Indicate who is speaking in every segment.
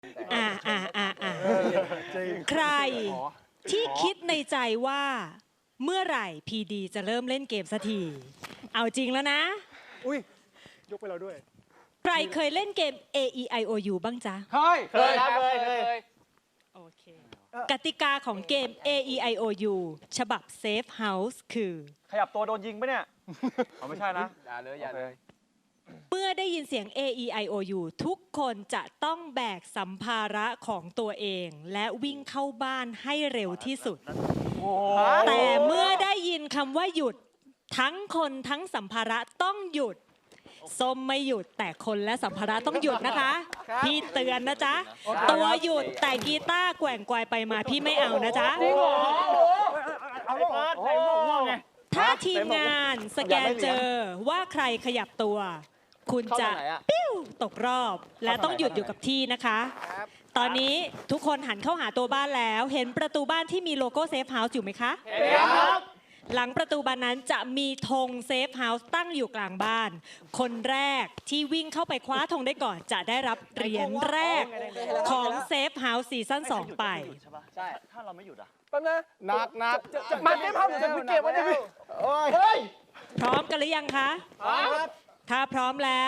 Speaker 1: อ่าอ่าอ่าอ่าใครที่คิดในใจว่าเมื่อไหร่พีดีจะเริ่มเล่นเกมสักทีเอาจริงแล้วนะ
Speaker 2: อุ้ยยกไปเราด้วย
Speaker 1: ใครเคยเล่นเกม A E I O U บ้างจ๊ะ
Speaker 2: เคยครับเคย
Speaker 1: โอเคกติกาของเกม A E I O U ฉบับ Safe House คือ
Speaker 2: ขยับตัวโดนยิงปะเนี่ยอ๋อไม่ใช่นะ
Speaker 3: อย่าเลยอย่าเลย
Speaker 1: เมื่อได้ยินเสียง A E I O U ทุกคนจะต้องแบกสัมภาระของตัวเอง และวิ่งเข้าบ้านให้เร็วที่สุด แต่เมื่อได้ยินคำว่าหยุดทั้งคนทั้งสัมภาระต้องหยุดส้มไม่หยุดแต่คนและสัมภาระต้องหยุดนะคะพี่เตือนนะจ๊ะตัวหยุดแต่กีตาร์แกว่งไกวไปมาพี่ไม่เอานะจ๊ะ
Speaker 2: เอาลูกใส่หมวกม่วงไง
Speaker 1: ถ้าทีมงานสแกนเจอว่าใครขยับตัว คุณจะปิ้วตกรอบและต้องหยุดอยู่กับที่นะคะ ตอนนี้ทุกคนหันเข้าหาตัวบ้านแล้วเห็นประตูบ้านที่มีโลโก้เซฟเฮาส์อยู่ไหมคะ
Speaker 2: ครับ
Speaker 1: หลังประตูบานนั้นจะมีธงเซฟเฮาส์ตั้งอยู่กลางบ้าน คนแรกที่วิ่งเข้าไปคว้าธงได้ก่อนจะได้รับเหรียญแรกของเซฟเฮาส์ซีซั่น2ไป
Speaker 3: ใช่
Speaker 2: ถ้าเราไม่หยุดอ่ะ
Speaker 3: แป๊บนะ
Speaker 2: นัก
Speaker 3: มันได้ภาพหรือจะเก็บไว้จะพี่
Speaker 2: โอ้ยเฮ้ย
Speaker 1: พร้อมกันหรือยังคะ
Speaker 2: ครับ
Speaker 1: ถ้าพร้อมแล้ว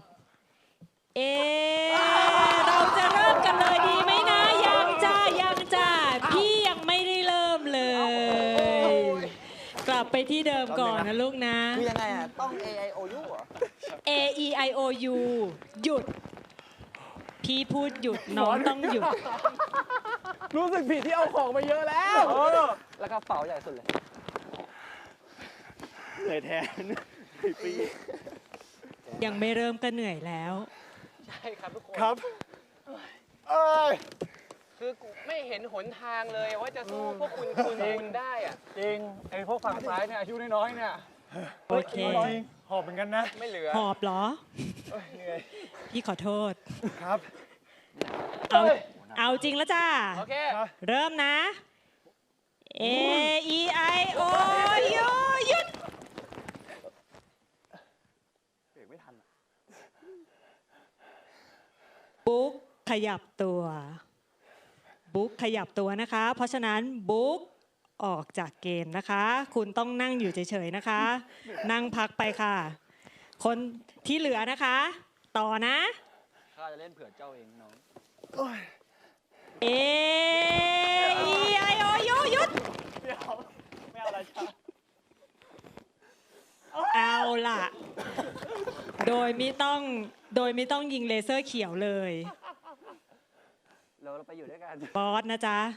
Speaker 1: เราจะเริ่มกันเลยดีไหมนะยังจ้าพี่ยังไม่ได้เริ่มเลย กลับไปที่เดิมก่อนนะลูกนะ
Speaker 3: คือยังไงอ่ะ ต้อง A I O U เหรอ
Speaker 1: A E I O U หยุด พี่พูดหยุดน้องต้องหยุด
Speaker 3: รู้สึกผิดที่เอาของมาเยอะแล้ว แล้วก็เป๋าใหญ่สุดเลย
Speaker 2: เหนื่อยแทนปี
Speaker 1: ยังไม่เริ่มก็เหนื่อยแล้ว
Speaker 4: ใช่ครับทุกคน
Speaker 2: ครับเอ้ย
Speaker 4: คือกูไม่เห็นหนทางเลยว่าจะสู้พวกคุณได้อะ
Speaker 2: จริงไอ้พวกฝั่งซ้ายเนี่ยอายุน้อยๆเนี่ย
Speaker 1: โอเค
Speaker 2: จริงหอบเหมือนกันนะ
Speaker 4: ไม่เหลือ
Speaker 1: หอบเหรอ
Speaker 2: เหนื่อย
Speaker 1: พี่ขอโทษ
Speaker 2: ครับ
Speaker 1: เอาจริงแล้วจ้า
Speaker 4: โอเค
Speaker 1: เริ่มนะ A E I O U หยุด
Speaker 2: เบรกไม่ทัน
Speaker 1: บุ๊กขยับตัวบุ๊กขยับตัวนะคะ เพราะฉะนั้นบุ๊กออกจากเกมนะคะ คุณต้องนั่งอยู่เฉยๆนะคะ นั่งพักไปค่ะ คนที่เหลือนะคะ ต่อนะ
Speaker 3: ข้าจะเล่นเผื่อเจ้าเองน้อง
Speaker 1: A E I O U หยุด
Speaker 2: ไม่เอาอะไรจ้า
Speaker 1: เอาล่ะ โดยไม่ต้องยิงเลเซอร์เขียวเลย
Speaker 3: เราไปอยู่ด้วยกัน
Speaker 1: บอสนะจ๊ะ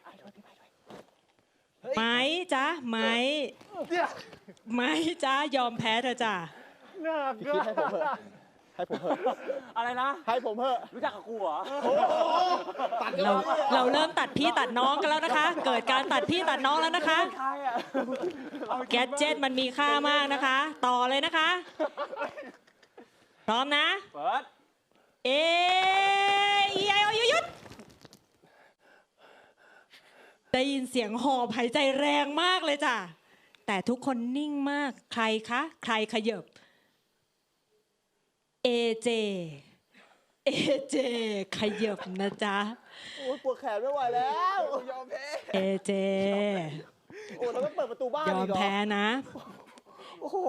Speaker 1: ไหมจ๊ะไหมจ๊ะยอมแพ้เธอจ้ะ
Speaker 2: หนักก็ให้ผมเถอะอะไรนะให้ผมเถอะรู้จักกับกูเหรอ
Speaker 1: เราเริ่มตัดพี่ตัดน้องกันแล้วนะคะ เกิดการตัดพี่ตัดน้องแล้วนะคะ
Speaker 2: ใครอ่ะ
Speaker 1: แกดเจ็ตมันมีค่ามากนะคะ ต่อเลยนะคะ พร้อมนะ
Speaker 2: เปิด
Speaker 1: A E I O U หยุดได้ยินเสียงหอบหายใจแรงมากเลยจ้ะ แต่ทุกคนนิ่งมาก ใครคะ ใครขยับ AJ ขยับนะจ๊ะ
Speaker 3: โอ้ยปวดแขนไม่ไหวแล้วยอมแพ้
Speaker 1: AJ
Speaker 3: โอ้เราต้องเปิดประตูบ้าน
Speaker 1: ยอ
Speaker 3: อี
Speaker 1: ม
Speaker 3: กเหรอ
Speaker 1: แพ้นะ
Speaker 3: โอ้โห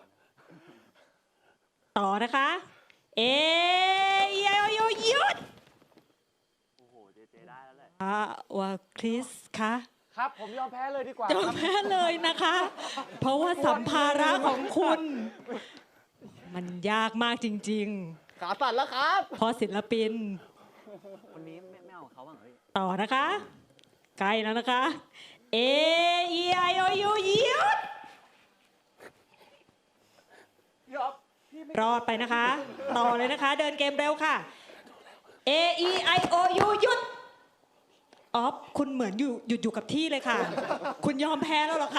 Speaker 1: ต่อนะคะ A E I O U หยุด
Speaker 2: โอ้โหเจได้แล้วแหละ
Speaker 1: ว่าคริสคะ
Speaker 4: ครับ ผมยอมแพ้เลยดีกว่าย
Speaker 1: อมแพ้เลยนะคะ เพราะว่าสัมภาระของคุณ มันยากมากจริง
Speaker 3: ขาสั่นแล้วครับ
Speaker 1: ๆ เพราะศิลปิน
Speaker 3: คนนี้ไม่เอาเขาบ้างเหรอพี่
Speaker 1: ต่อนะคะ ใกล้แล้วนะคะ A E I O U หยุดรอดไปนะคะ ต่อเลยนะคะ เดินเกมเร็วค่ะ A E I O U หยุดออฟคุณเหมือนหยุดอยู่กับที่เลยค่ะ คุณยอมแพ้แล้วเหรอคะ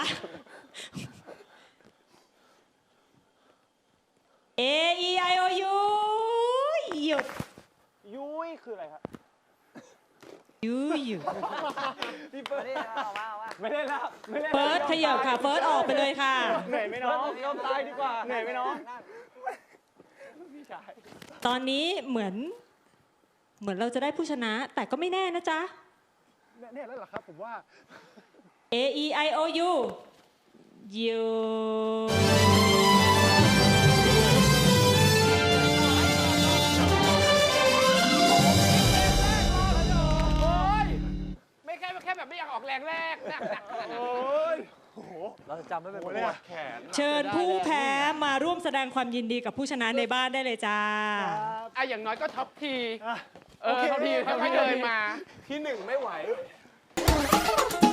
Speaker 1: A E I O U หยุด
Speaker 2: ยุ้ยคืออะไรครับ
Speaker 1: ยูหยุด
Speaker 3: ไม่ได้เอาว่า
Speaker 2: ไม่ได้แล้วไม่ได้
Speaker 1: เฟิร์สขยับค่ะ เฟิร์สออกไปเลยค่ะ
Speaker 2: เหนื่อยไหมน้องยอมตายดีกว่าเหนื่อยไหมน้องพี่ชาย
Speaker 1: ตอนนี้เหมือนเหมือนเราจะได้ผู้ชนะ แต่ก็ไม่แน่นะจ๊ะ
Speaker 3: แน่แล้วเหรอครับผมว่า
Speaker 1: A E I O U ยู
Speaker 4: ไม่แค่แบบไม่อยากออกแรงแรกหนักขนาดนั้น
Speaker 2: เราจะจำไม่เป็นปวดแขน
Speaker 1: เชิญผู้แพ้มาร่วมแสดงความยินดีกับผู้ชนะในบ้านได้เลยจ้า
Speaker 4: อย่างน้อยก็ท็อปที
Speaker 3: โอเค
Speaker 4: ท็อปทีค่อยๆเดินมา
Speaker 2: ที่หนึ่งไม่ไหว
Speaker 3: เ